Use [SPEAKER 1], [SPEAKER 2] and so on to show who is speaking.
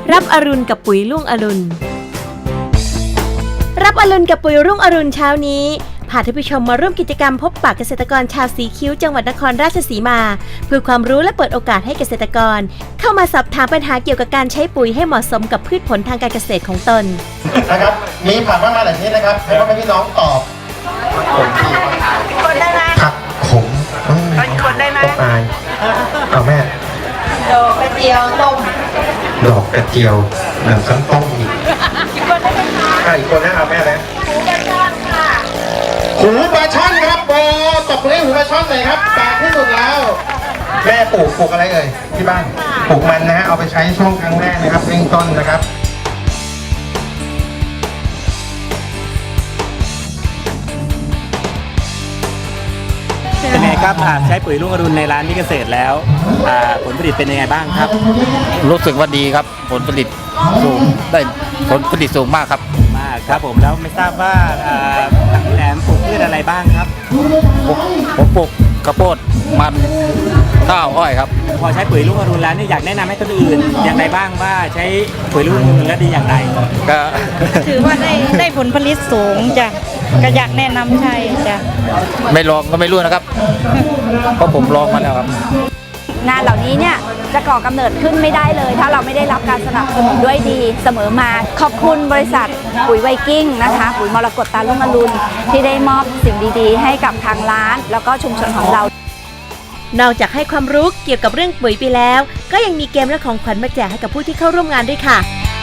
[SPEAKER 1] รับอรุณกับปุ๋ยรุ่งอรุณรับอรุณกับปุ๋ยรุ่งอรุณเช้านี้พาท่านผู้ชมมาร่วมกิจกรรมพบปะเกษตรกรชาวสีคิ้วจังหวัดนครราชสีมาเพื่อความรู้และเปิดโอกาสให้เกษตรกรเข้ามาสอบถามปัญหาเกี่ยวกับการใช้ปุ๋ยให้เหมาะสมกับพืชผลทางการเกษตรของตน
[SPEAKER 2] นะครับมีผักมากมายหลายชนิดนะครับให้พ่อแม่พี่น้องตอบ
[SPEAKER 3] คนได้ไหม
[SPEAKER 2] ผักขม
[SPEAKER 3] คนได้ไหม
[SPEAKER 2] ต้องอายเอาแม่
[SPEAKER 3] ดอกกระเจียวต้ม
[SPEAKER 2] ดอกกระเจียวหนังซ้ำต้มอีก
[SPEAKER 3] คนได้ไหมคะ
[SPEAKER 2] อีกคนนะเอาแม่แล้ว
[SPEAKER 3] หูปลาช่อนค่ะ
[SPEAKER 2] หูปลาช่อนครับโบตบเลยหูปลาช่อนเลยครับแปลกที่สุดแล้วแม่ปลูกอะไรเอ่ยที่บ้านปลูกมันนะฮะเอาไปใช้ช่วงครั้งแรกนะครับเริ่มต้นนะครับ
[SPEAKER 4] เป็นไงครับใช้ปุ๋ยรุ่งอรุณในร้านนิเกษตรแล้วผลผลิตเป็นยังไงบ้างครับ
[SPEAKER 5] รู้สึกว่าดีครับผลผลิตสูงได้ผลผลิตสูงมากครับ
[SPEAKER 4] มากครับผมแล้วไม่ทราบว่าพี่แหลมปลูกพืชอะไรบ้างครับ
[SPEAKER 5] ผมปลูกข้าวโพดมันข้าวอ้อยครับ
[SPEAKER 4] พอใช้ปุ๋ยรุ่งอรุณแล้วเนี่ยอยากแนะนำให้คนอื่นอย่างไรบ้างว่าใช้ปุ๋ยรุ่งอรุณแล้วดีอย่างไร
[SPEAKER 5] ก็
[SPEAKER 3] ถือว่าได้ผลผลิตสูงจ้ะก็อยากแนะนำใช่จ้ะ
[SPEAKER 5] ไม่ลองก็ไม่รู้นะครับเพราะผมลองมาแล้วครับ
[SPEAKER 6] งานเหล่านี้เนี่ยจะก่อกำเนิดขึ้นไม่ได้เลยถ้าเราไม่ได้รับการสนับสนุนด้วยดีเสมอมาขอบคุณบริษัทปุ๋ยไวกิ้งนะคะปุ๋ยมรกตตารุ่งอรุณที่ได้มอบสิ่งดีๆให้กับทางร้านแล้วก็ชุมชนของเรา
[SPEAKER 1] นอกจากให้ความรู้เกี่ยวกับเรื่องปุ๋ยไปแล้วก็ยังมีเกมและของขวัญมาแจกให้กับผู้ที่เข้าร่วมงานด้วยค่ะ